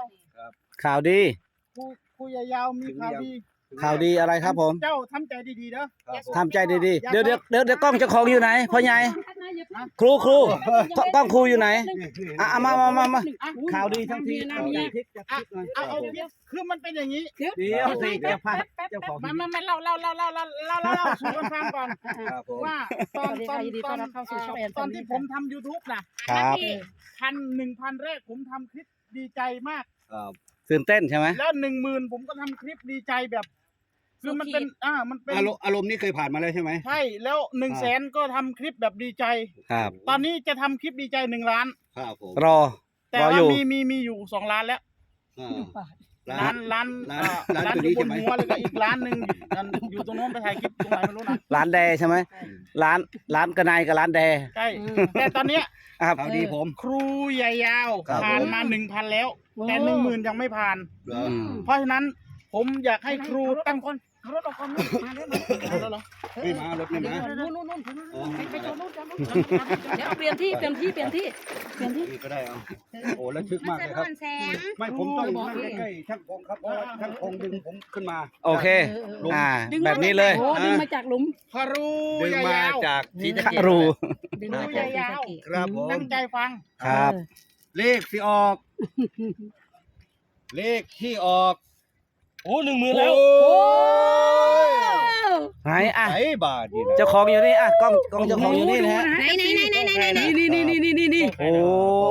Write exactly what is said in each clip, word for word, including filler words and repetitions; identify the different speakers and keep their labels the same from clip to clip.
Speaker 1: ข่าวดี
Speaker 2: ครูครูยาวๆมีข่าวดี
Speaker 1: ข่าวดีอะไรครับผม
Speaker 2: เจ้าทำใจดีๆเด้อ
Speaker 1: ทำใจดีๆเดี๋ยวเดี๋ยวเดี๋ยวเดี๋ยวกล้องเจ้าของอยู่ไหนพ่อใหญ่ครูครูกล้องครูอยู่ไหนอ่ะเอามามามามาข่าวดีทั้งที
Speaker 2: อ่ะเอาเอาคือมันเป็นอย่างนี้
Speaker 1: เดี๋ยวสิเจ้าพาเจ้าของ
Speaker 2: มามามาเล่าเล่าเล่าเล่าเล่าเล่าเล่าเล่าสู่กันฟังก่อน
Speaker 1: ครับผม
Speaker 2: ว่าตอนตอนตอนตอนที่ผมทำ YouTube นะครับ พันหนึ่งพันแรกผมทำคลิปดีใจมาก
Speaker 1: ครับตื่นเต้นใช่ไหม
Speaker 2: แล้วหนึ่งหมื่นผมก็ทำคลิปดีใจแบบคือมันเป็นอ่ามันเป็น
Speaker 3: อารมณ์อารมณ์นี้เคยผ่านมาแล้วใช่ไหม
Speaker 2: ใช่แล้วหนึ่งแสนก็ทำคลิปแบบดีใจ
Speaker 1: ครับ
Speaker 2: ตอนนี้จะทำคลิปดีใจหนึ่งล้าน
Speaker 3: ครับผม
Speaker 1: รอ
Speaker 2: แต่
Speaker 1: รอ
Speaker 2: ว่า
Speaker 1: อยู่
Speaker 2: มีมีมีอยู่สองล้านแล้ว
Speaker 3: อ่า
Speaker 2: ร้านร้าน
Speaker 3: ร้าน
Speaker 2: เอ่อ
Speaker 3: ร้าน
Speaker 2: ร้าน
Speaker 3: ตัว
Speaker 2: อ
Speaker 3: นี้
Speaker 2: ยู่บน
Speaker 3: ใช่ไหม
Speaker 2: หัวเลยก็อีกร้านหนึ่งอันอยู่ตรงโน้นไปถ่ายคลิปตรงไหนไม่รู้นะ
Speaker 1: ร้านแดใช่ไหมร้านร้านกระนายกับร้านแด
Speaker 2: ใช่แต่ตอนเนี้ย
Speaker 1: ครับ
Speaker 3: ข่าวดีผม
Speaker 2: ครูใหญ่ยาว
Speaker 3: ครับ
Speaker 2: ผ่าน
Speaker 3: ผม
Speaker 2: มาหนึ่งพันแล้ว แต่หนึ่งหมื่นยังไม่ผ่าน
Speaker 3: เหรอ
Speaker 1: อืม
Speaker 2: เพราะฉะนั้นผมอยากให้ครูตั้งคนรถออกคนนู้นมาได้ไหมแล้วเหรอ
Speaker 3: ไม่มารถไม่มา
Speaker 4: นู่นนู่นนู่น
Speaker 3: อ๋อ
Speaker 4: ไปจอดนู่นจอดนู่นเดี๋ยวเปลี่ยนที่เปลี่ยนที่เปลี่ยนที่เปลี่ยนที่
Speaker 3: นี่ก็ได้เอาโอ้แล้วชึกมากเลยครับ
Speaker 4: แสง
Speaker 3: ไม่ผมต้องนั่งใกล้ๆช่างพงครับเพราะว่าช่างพงดึงผมขึ้นมา
Speaker 1: โอเคอ่าแบบนี้เลย
Speaker 4: โอ้ดึงมาจากหลุม
Speaker 2: ครู
Speaker 3: ดึง
Speaker 2: ใหญ่
Speaker 3: มาย
Speaker 2: าว
Speaker 3: จากสีสะ
Speaker 1: คา
Speaker 3: เกษ
Speaker 1: รู
Speaker 4: ดึงมาจากศรีสะเกษ
Speaker 3: ครับผม
Speaker 2: ตั้งใจฟัง
Speaker 1: ครับ
Speaker 3: เลขที่ออก เลขที่ออก
Speaker 5: โอ้หนึ่งหมื่นแล้ว
Speaker 3: โอ้ย
Speaker 1: ไหนอ่ะ
Speaker 3: ไอ้บาทนี่นะ
Speaker 1: เจ้าของอยู่นี่อ่ะกล้องกล้องเจ้าของอยู่นี่นะฮะ
Speaker 4: ไหนไหนไหนไหนไหนไหนนี่นี่นี่นี่นี่นี่
Speaker 1: โอ้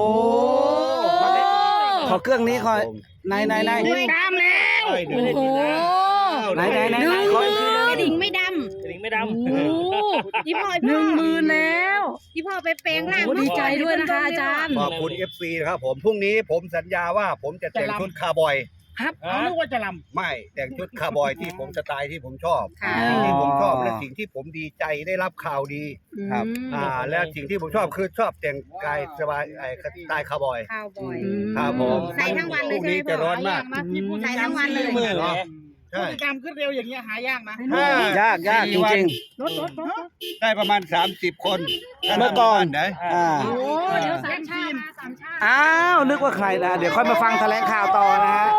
Speaker 1: ขอเครื่องนี้ขอไหนไหนไหน
Speaker 2: ติดตามแล้ว
Speaker 3: ได้เดี๋ยว
Speaker 4: โอ้
Speaker 3: นี้
Speaker 4: โห
Speaker 1: ไหนไหนไหน
Speaker 4: หนึ่ง
Speaker 1: ข
Speaker 4: ห
Speaker 1: อ
Speaker 4: มื่
Speaker 1: อีกทีนึง
Speaker 4: นดิ่งไม่ด
Speaker 5: กระดิ่งไม่
Speaker 4: ำ
Speaker 5: ดำ
Speaker 4: โอ้ยี่พ่อหนึ่งหมื่นแล้วยี่พ่อไปแปลงร่างดีใจด้วยนะคะอาจารย์
Speaker 3: ขอบคุณ เอฟ ซี นะครับผมพรุ่งนี้ผมสัญญาว่าผมจะแต่งชุดคาร์บอย
Speaker 2: เขานึกว่าจะล
Speaker 3: ไม่แต่งชุดคาร์บอยที่ผมสไตล์ที่ผมชอบ
Speaker 4: ค่ะ
Speaker 3: สิ่งที่ผมชอบและสิ่งที่ผมดีใจได้รับข่าวดี
Speaker 1: ครับ
Speaker 3: อ่าและสิ่งที่ผมชอบคือชอบแต่งกายสบายไอ้สไตล์คาร์บอย
Speaker 4: ข้าวบ่อย
Speaker 3: ครับผม
Speaker 4: ใส่ทั้งวันเลย
Speaker 3: พรุ่งนี้
Speaker 4: ใช่ไหมพ่อ
Speaker 3: จะร้อนมาก
Speaker 2: มาที่ผู้
Speaker 4: ใส่ทั้งวันเลย
Speaker 5: หมื่นเลย
Speaker 2: ผู้
Speaker 3: ใช่
Speaker 2: ติดตามขึ้นเร็วอย่างเงี้ยหายากนะ
Speaker 3: ถ้าย
Speaker 1: ากยากจริง
Speaker 2: รถรถรถ
Speaker 3: ได้ประมาณสามสิบคน
Speaker 1: เมื่อก่อน
Speaker 3: ไหน
Speaker 1: ๆอ่า
Speaker 4: โอ้เดี๋ยวสามชาติมาสามชาติ
Speaker 1: อ้าวนึกว่าใครนะเดี๋ยวค่อยมาฟังแถลงข่าวต่อนะฮะ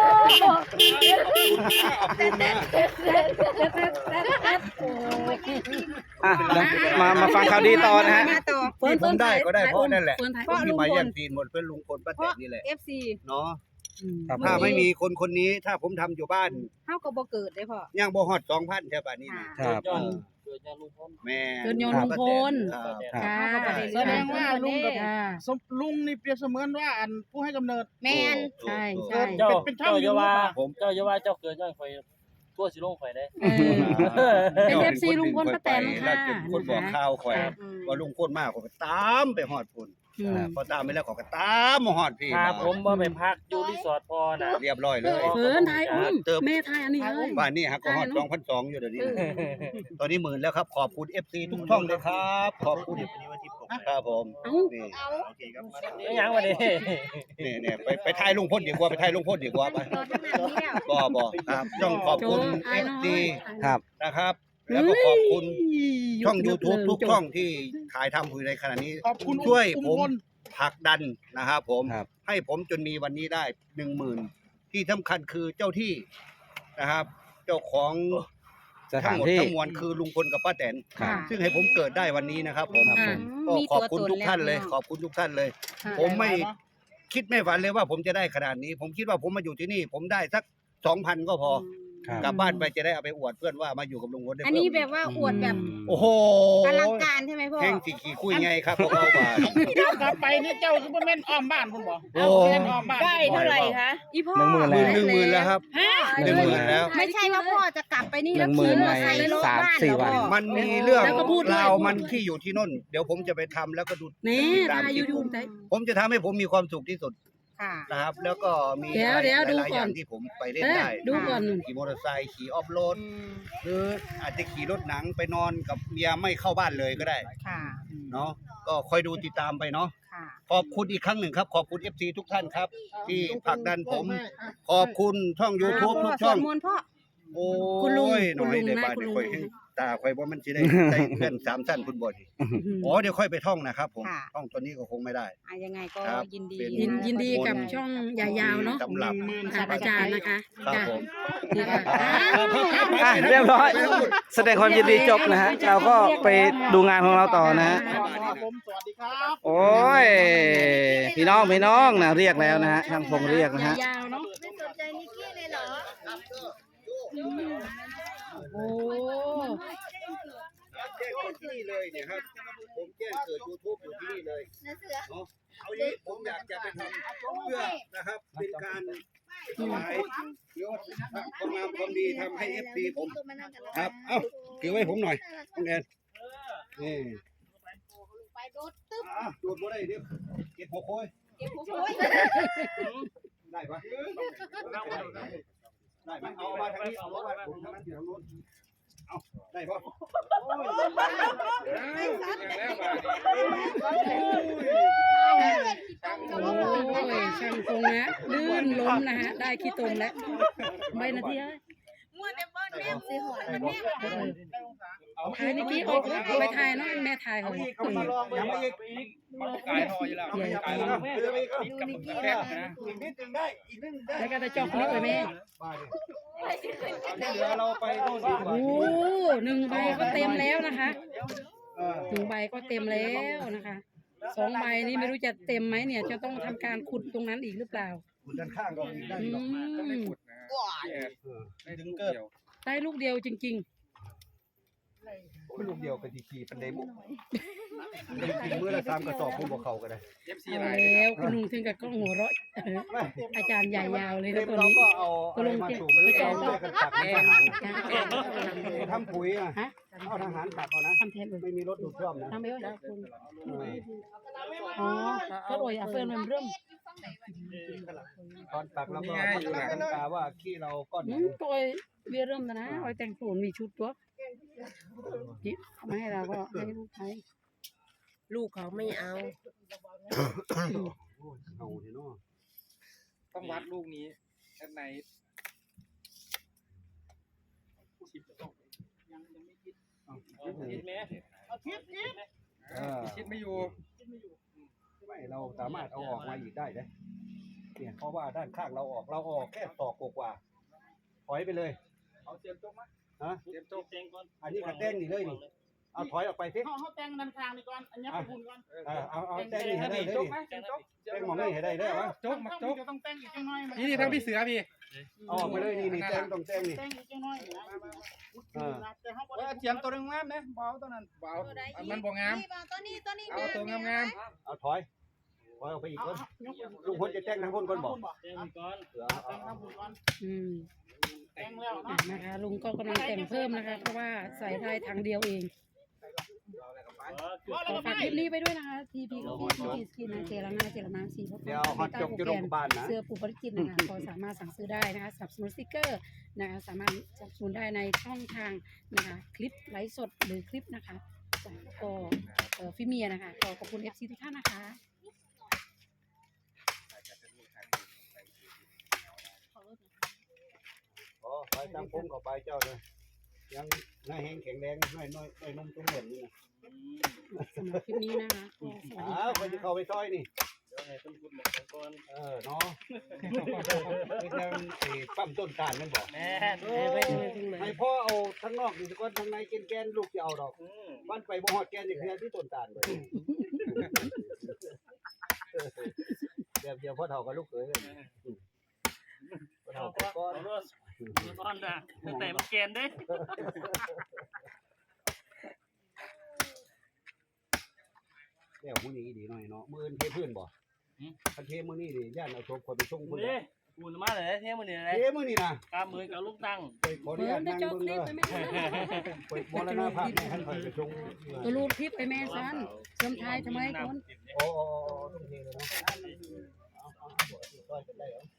Speaker 1: อ่ะเดี๋ยวมามาฟังข่าวดีต่อนะฮะ
Speaker 4: มาต่อ
Speaker 3: ที่ผมได้ก็ได้เพราะนั่นแหละ
Speaker 4: เฟิร์นถ่าย
Speaker 3: พวกที่มาแย่งซีนหมดเพื่อนลุงพลป้าแตนนี่แหละ
Speaker 4: เอฟซี
Speaker 3: เนาะ
Speaker 1: ครับ
Speaker 3: ถ้าไม่มีคนคนนี้ถ้าผมทำอยู่บ้าน
Speaker 4: เท่ากับบ่เกิดได้พ่อ
Speaker 3: ย่างบ่ฮอดสองพันใช่ป่ะนี่นะ
Speaker 1: ครับ
Speaker 5: ยอดเกิดจากลุงพล
Speaker 3: แม่
Speaker 4: เกินยอนลุงพล
Speaker 3: ครับ
Speaker 4: ค่ะ
Speaker 2: แสดงว่าลุงกับ
Speaker 4: ค่ะ
Speaker 2: สมลุงนี่เปรียบเสมือนว่าอันผู้ให้กำเนิด
Speaker 4: แมน
Speaker 3: โอ้
Speaker 4: ใช่
Speaker 3: โอ้
Speaker 4: ใช่
Speaker 5: เจ้า
Speaker 2: เป็นช่าง
Speaker 5: เจ้าอย่าว่า
Speaker 2: ยูทูบอะ
Speaker 5: ผมเจ้าอย่าว่าเจ้าเกิดย้อนไฟทั่วสิลงไฟได้
Speaker 4: เออ เป็น เอฟ ซี ลุงพลป้าแตนค่ะ
Speaker 3: แล้วจนคนบอกข่าวข่อย
Speaker 4: อืม
Speaker 3: ว่าลุงพลมากข่อยก็ตามไปฮอดพุ่น
Speaker 4: อืม
Speaker 3: พอตามไปแล้วข่อยก็ตามมาฮอดพี่
Speaker 5: พาผมมาไปพักอยู่รีสอร์ทพอน่ะ
Speaker 3: เรียบร้อยเลย
Speaker 4: เฟิร์นถ่ายอุ้มแม่ถ่ายอันนี้เลย
Speaker 3: บ้านนี้ฮะก็ฮอดสองพันสองอยู่เดี๋ยวนี้นะตอนนี้หมื่นแล้วครับขอบคุณ เอฟ ซี ทุกช่องเลยครับขอบคุณครับผม
Speaker 4: เอ้า
Speaker 3: นี่
Speaker 5: ไม่ยังมาดิ
Speaker 3: นี่เนี่ยไปไปถ่ายลุงพลดีกว่าไปถ่ายลุงพลดีกว่าไป
Speaker 4: รอตั้งนานนี้แล้ว
Speaker 3: บ่บ่ครับต้องขอบคุณ
Speaker 4: โจ้
Speaker 3: เอฟ
Speaker 4: น้อย
Speaker 3: ซี
Speaker 1: ครับ
Speaker 3: นะครับ แล้วก็ขอบคุณช่อง
Speaker 4: ยก
Speaker 3: YouTube
Speaker 4: เลย
Speaker 3: ทุก
Speaker 4: จบ
Speaker 3: ช่องที่ถ่ายทำอยู่ในขณะนี้
Speaker 2: ขอบคุณ
Speaker 3: ช่วย
Speaker 2: อุ้
Speaker 3: ผม
Speaker 2: พล
Speaker 3: ผลักดันนะครับผม
Speaker 1: ครับ
Speaker 3: ให้ผมจนมีวันนี้ได้หนึ่งหมื่นที่สำคัญคือเจ้าที่นะครับ เจ้าของ
Speaker 1: ส
Speaker 3: ทั้
Speaker 1: ถาง น
Speaker 3: หมด
Speaker 1: ที่
Speaker 3: ทั้งมวลคือลุงพลกับป้าแตน
Speaker 1: ครับ
Speaker 3: ซึ่งให้ผมเกิดได้วันนี้นะครับผม
Speaker 1: ครับผม
Speaker 3: ก็ขอบคุณทุกท่านเลย ขอบคุณทุกท่านเลย ผมไม่คิดไม่ฝันเลยว่าผมจะได้ขนาดนี้ ผมคิดว่าผมมาอยู่ที่นี่ ผมได้สักสองพันก็พอ
Speaker 1: ครับ
Speaker 3: กลับบ้านไปจะได้เอาไปอวดเพื่อนว่ามาอยู่กับลุงพลได้
Speaker 4: อัน
Speaker 3: เพิ่
Speaker 4: นี้
Speaker 3: ม
Speaker 4: แบบว่าอวดแบบ
Speaker 3: โอ้โห
Speaker 4: อลังการใช่ไหมพ่อ
Speaker 3: แห่งสี่ขี่คุยไงครับพวกเราบ้าน
Speaker 2: เจ้ากลับไปนี่เจ้าซุปเปอร์แมนอ้อมบ้านคุณบอก
Speaker 3: โอ้
Speaker 2: แมนอ้อมบ้าน
Speaker 4: ได้เท่าไหร่คะอีพ่อ
Speaker 1: หนึ่งหมื่น
Speaker 3: หมื่นหนึ่งหมื่นแล้วครับ
Speaker 4: ฮะ
Speaker 3: หนึ่งหมื่นแล้ว
Speaker 4: ไม่ใช่ว่าพ่อจะกลับไปนี่
Speaker 1: ห
Speaker 4: แล้
Speaker 1: นึ่
Speaker 4: ว
Speaker 1: งหมื่
Speaker 4: ขี่
Speaker 1: น
Speaker 4: มอเตอร์ไซค์
Speaker 1: ใน
Speaker 4: รถ
Speaker 1: สาม
Speaker 4: บ้าน
Speaker 1: สี่
Speaker 4: เหรอ
Speaker 1: วัน
Speaker 4: พ่อ
Speaker 3: มันมีเรื่อง
Speaker 4: แล้วก็พูดด้วย
Speaker 3: ราวมันที่อยู่ที่โน่น เดี๋ยวผมจะไปทำแล้วก็ดู
Speaker 4: นี่
Speaker 3: ตาม
Speaker 4: ถ่าย
Speaker 3: คลิ
Speaker 4: ยู
Speaker 3: ป
Speaker 4: ทูบได้
Speaker 3: ผมจะทำให้ผมมีความสุขที่สุด
Speaker 4: ค่ะ
Speaker 3: นะครับ แล้วก็มี
Speaker 4: เดี๋ยว
Speaker 3: อะไร
Speaker 4: เดี๋ยวดู
Speaker 3: หลายๆ
Speaker 4: ก่
Speaker 3: อ
Speaker 4: อน
Speaker 3: ย่างที่ผมไปเล่น
Speaker 4: เอ๊ะ
Speaker 3: ได้
Speaker 4: ดูก่อน
Speaker 3: ขี่มอเตอร์ไซค์ขี่ออฟโรด
Speaker 4: อืม
Speaker 3: หรืออาจจะขี่รถหนังไปนอนกับเมียไม่เข้าบ้านเลยก็ได้
Speaker 4: ค่ะ
Speaker 3: เนาะก็คอยดูติดตามไปเนาะ
Speaker 4: ค่ะ
Speaker 3: ขอบคุณอีกครั้งหนึ่งครับ ขอบคุณ เอฟ ซี ทุกท่านครับ ที่ผลักดันผม ขอบคุณช่อง YouTube ทุกช่อง
Speaker 4: สวดมนต์พ่อ
Speaker 3: โอ้
Speaker 4: คุณลุง
Speaker 3: ยหน่อย
Speaker 4: คุณลุง
Speaker 3: ใน
Speaker 4: นะ
Speaker 3: บ้าน
Speaker 4: คุณลุง
Speaker 3: ค่อยให้ตตาค่อยว่ามันสิได้ ได้เพื่อนสามสั้นคุณบ่ดีอ๋อเดี๋ยวค่อยไปท่องนะครับผม
Speaker 4: ค่ะ
Speaker 3: ท่องตัวนี้ก็คงไม่ได้
Speaker 4: อ่ะยังไงก็
Speaker 3: ครับ
Speaker 4: ยินดี
Speaker 3: เป็น
Speaker 4: ยิน
Speaker 6: ยินดีกับช่องยาวๆเนาะ
Speaker 3: สำหรับ
Speaker 6: ค่ะอาจารย์นะคะ
Speaker 3: ครับ
Speaker 6: จ้ะ
Speaker 3: ผม
Speaker 6: ดีค่ะ
Speaker 1: อ่ะเรียบร้อย แสดงความยินดีจบนะฮะ เราก็ไปดูงานของเราต่อนะฮะ
Speaker 2: ครับผมสวัสดีครับ
Speaker 1: โอ้ย พี่น้องพี่น้องนะเรียกแล้วนะฮะช่างพงเรียกนะฮะ
Speaker 6: ยาวๆเนาะ
Speaker 4: ไม่สนใจนิกกี้เลยเหรอ
Speaker 6: โอ้
Speaker 3: แจ้งเกิดที่นี่เลยเนี่ยครับผมแจ้งเกิด YouTube อยู่ที่นี่เลยเนาะเอาอย่างนี้ผมอยากจะไปทำเพื่อนะครับเป็นการถวายยศความงามความดีทำให้ เอฟ ซี ผมครับ เอ้าถือไว้ผมหน่อยน้องแอนนี่
Speaker 4: ไปโดดตึ๊บ
Speaker 3: อ่ะโดดบ่ได้เดี๋ยวเก็บหัวโค้ย
Speaker 4: เก็บหัวโอย
Speaker 3: ได้ปะได้ไหมเอามาทางนี้เอามาผมทางนั้นอยู่ทางโน้นเอาได้ปะ
Speaker 6: โอ้ยช่างพงนะลื่นล้มนะฮะ ได้ขี้ตมแล้วไม่นาทีเอ้ย
Speaker 4: มัวแต่บอลแม่สีหอยมันแม่
Speaker 6: เออถ่ายนิกกี้เอาเอาไปถ่ายเนาะแม่ถ่ายเขา
Speaker 3: เอามาลองยังไม่อีก
Speaker 5: กายทออยู่แล้ว
Speaker 3: เอาไปอีกเอาไปอีกเอาไปอีก
Speaker 4: ดูนิกกี้
Speaker 3: อีกนิดนึงได้อีกนิดนึงได้
Speaker 6: แล้วก็จะจอกนิกไปแม่
Speaker 3: เดี๋ยวเราไปโน่นดีกว่า
Speaker 6: โอ้หนึ่งใบก็เต็มแล้วนะคะ
Speaker 3: เออ
Speaker 6: หนึ่งใบก็เต็มแล้วนะคะสองใบนี้ไม่รู้จะเต็มไหมเนี่ย จะต้องทำการขุดตรงนั้นอีกหรือเปล่า
Speaker 3: คุณด้านข้างก็อีกได้
Speaker 6: อื
Speaker 3: หรอก
Speaker 6: ม
Speaker 3: ถึงเกิด
Speaker 6: ได้ลูกเดียวจริง
Speaker 3: ลูกเดียวกันทีๆเป็นเดมุกินมื้อละสามกระสอบผมบอกเขาก็ได้
Speaker 6: ๆเอาแล้วคุณลุงถึงกับกล้องหัวเราะเอออาจารย์ใหญ่ยาวเลย
Speaker 3: เต็
Speaker 6: นะ
Speaker 3: ม
Speaker 6: ตัว
Speaker 3: เรา
Speaker 6: นี้
Speaker 3: ก็เอาอะไรมาสูบหรือเอาด้วยกันตักทหารทำปุ๋ยอ่ะ
Speaker 6: ฮะ
Speaker 3: เอาทหารตักเอานะ
Speaker 6: ทำแทนเลย
Speaker 3: ไม่มีรถดูดซ่อมนะ
Speaker 6: ทำไปว่าคุณอ๋อก็โดยอ่ะเฟิร์นมันเริ่ม
Speaker 3: ตอนตักแล้วก็ตั้งตาว่าขี้เราก้อนไหน
Speaker 6: อืมตัวเวียเริ่มแล้วนะไอ้แต่งสูนมีชุดตัวจิเอามาให้เราก็ให้ลูกใช้
Speaker 4: ลูกเขาไม่เอา
Speaker 3: เอาเถอะเนาะ
Speaker 5: ต้องวัดลูกนี้ด้านใน คิดไหม
Speaker 2: เอาคิดคิด
Speaker 3: เออ
Speaker 5: คิดไม่อยู่
Speaker 3: ไม่เราสามารถเอาออกมาอีกได้เลยเนี่ยเพราะว่าด้านข้างเราออกเราออกแค่ตอกกว่าถอยไปเลย
Speaker 5: เอาเตรียมโจ๊กมั้ย
Speaker 3: ฮะ
Speaker 5: เตรียมโจ๊กเตงก่อน
Speaker 3: อันนี้กระเต้นนี่เลยนี่เอาถอยออกไปสิ
Speaker 2: เขาเขาแต่งนันทางนี่ก่อนอันนี้ขอบคุณก่อน
Speaker 3: เออเอาเอาเต้นนี่ให้ได้เลย
Speaker 5: โจ๊ก
Speaker 3: นี่
Speaker 5: ไหมเตรียมโจ๊ก
Speaker 3: เต้นหมองนี่ให้ได้เลยวะ
Speaker 5: โจ๊กมักโจ๊ก
Speaker 2: จะต้องแต่งอีกจังน้อย
Speaker 5: นี่นี่ทั้งพี่เสือพี่
Speaker 3: เอาออกไปเลยนี่นี่เต้นต้องเต้นนี่
Speaker 2: แต่งอีกจังน้อยนะ
Speaker 3: เออ
Speaker 2: แต่เขาบอก
Speaker 5: ว่าเตรียมตัวนึงงามนะเบาตัวนั้นเบามันบ่งาม
Speaker 4: ตัวนี้ตัวนี้
Speaker 5: เอาตัวงาม
Speaker 3: เอาถอยถอยออกไปอีกคนลุงพลจะแต่งทางคนคนบอก
Speaker 5: ๆเตรียมก่อน
Speaker 3: เออเอา
Speaker 2: แต่ง
Speaker 3: เอา
Speaker 2: ทำบุญก่อน
Speaker 6: อืม
Speaker 2: แต่งแล้ว
Speaker 6: อ่ะ
Speaker 2: เนาะ
Speaker 6: นะคะลุงก็กำลังแต่งเพิ่มนะคะ เพราะว่าใส่ได้ทางเดียวเองขอฝากคลิปนี้ไปด้วยนะคะ ทีพีก็ทีพีสกินนะเจรนาเจรนาสีพ
Speaker 3: เดี๋ยวฮอตจกจะลงบ้านนะ
Speaker 6: เสื้อปูปริจิตนะคะก็สามารถสั่งซื้อได้นะคะสนับสนุนสติกเกอร์นะคะสามารถสนับสนุนได้ในช่องทางนะคะคลิปไลฟ์สดหรือคลิปนะคะจากก็เอ่อฟิเมียนะคะก็ขอบคุณ เอฟ ซี ทุกท่านนะคะ
Speaker 3: อ๋อไปตามพงกับไปเจ้าเลยยังน้อยแห้งแข็งแรงน้อยน้อยน้อยนุ่มตุ้มเหมือนนี่นะ
Speaker 6: สำหรับคลิปนี้นะคะก็สวัสดี
Speaker 3: อ้าวคนจะเข้าไปซอยนี่
Speaker 5: เดี๋ยวให้ต้นคุณหมดก่อน
Speaker 3: เออเนาะไม่ใช่ไอ้ปั๊มต้นตาลนั่นบอก
Speaker 5: แม่
Speaker 3: ให้พ่อเอาทั้งนอกนี่ก่อนทั้งในแกนแกนลูกจะเอาดอกบ้านไปบ่ฮอดแกนอย่างเดียวที่ต้นตาลเลยเดี๋ยวเดี๋ยวพ่อเฒ่ากับลูกเขยเลยพ่อเฒ่ากับก้อน
Speaker 5: ก้อนนะแต่มันแกนเด้
Speaker 3: เดี๋ยวมื้อนี้ดีหน่อยเนาะมื้ออื่นเทพื้นบ่คันเทมื้อนี้ดิย่านเอาศพคนไปส่งพุ่น
Speaker 5: นี่กูมาเลยเที่ยมันนี่อะไร
Speaker 3: เทมื้อนี้นะ
Speaker 5: กำมือกับลูกตั้ง
Speaker 3: ไปขออนุ
Speaker 6: เพิ่
Speaker 3: ญาม ต
Speaker 6: ได้
Speaker 3: นั่ง
Speaker 6: เจ้า
Speaker 3: เบิ่ง
Speaker 6: คลิ
Speaker 3: เด้
Speaker 6: ป
Speaker 3: อ
Speaker 6: ไปแม่
Speaker 3: ไปมรณภาพให้ท่านไปส่ง
Speaker 6: ตัวรูปคลิปไปแม่ซันเสริมไทยทำไมคน
Speaker 3: โอ้ต้องเทเลยเนาะเอาเอาเอาซอยกันได้เหรอ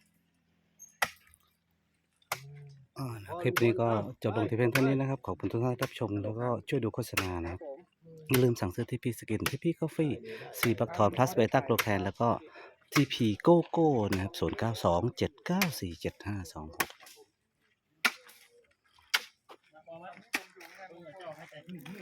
Speaker 1: อ่านะคลิปนี้ก็จบลงที่เพียงเท่านี้นะครับ ขอบคุณทุกท่านที่รับชมแล้วก็ช่วยดูโฆษณานะครับอย่าลืมสั่งซื้อทีพีสกินทีพีกาแฟซีบักทอนพลัสเบต้าโกลแคนแล้วก็ทีพีโกโก้นะครับศูนย์เก้าสองเจ็ดเก้าสี่เจ็ดห้าสองหก
Speaker 2: นี่